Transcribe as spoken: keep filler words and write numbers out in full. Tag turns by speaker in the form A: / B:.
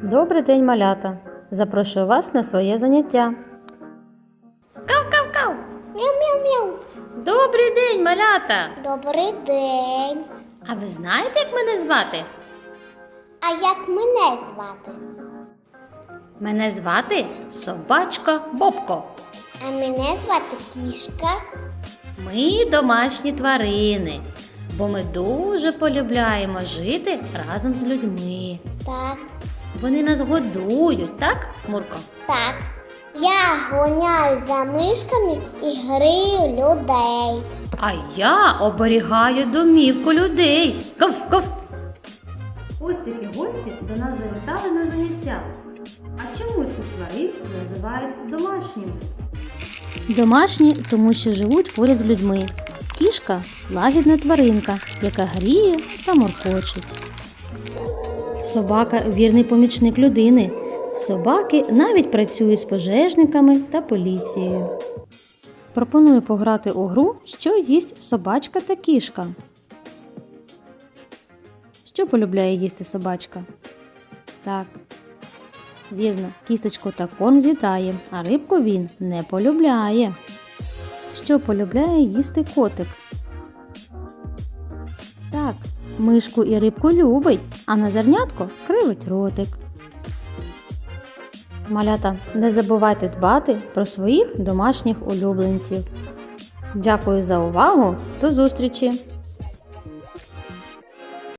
A: Добрий день, малята! Запрошую вас на своє заняття.
B: Кав-кав-кав!
C: Мяу-мяу-мяу.
B: Добрий день, малята!
C: Добрий день.
B: А ви знаєте, як мене звати?
C: А як мене звати?
B: Мене звати Собачка Бобко.
C: А мене звати Кішка.
B: Ми домашні тварини, бо ми дуже полюбляємо жити разом з людьми.
C: Так,
B: Вони нас годують, так, Мурко?
C: так. Я гоняю за мишками і грію людей.
B: А я оберігаю домівку людей. Ков-ков!
A: Ось такі гості до нас завітали на заняття. А чому цих тварин називають домашніми? Домашні, тому що живуть поряд з людьми. Кішка – лагідна тваринка, яка гріє та моркочить. Собака – вірний помічник людини. Собаки навіть працюють з пожежниками та поліцією. Пропоную пограти у гру «Що їсть собачка та кішка». Що полюбляє їсти собачка? Так, вірно, кісточку та корм з'їдає, а рибку він не полюбляє. Що полюбляє їсти котик? Так, мишку і рибку любить, а на зернятко кривить ротик. Малята, не забувайте дбати про своїх домашніх улюбленців. Дякую за увагу, до зустрічі!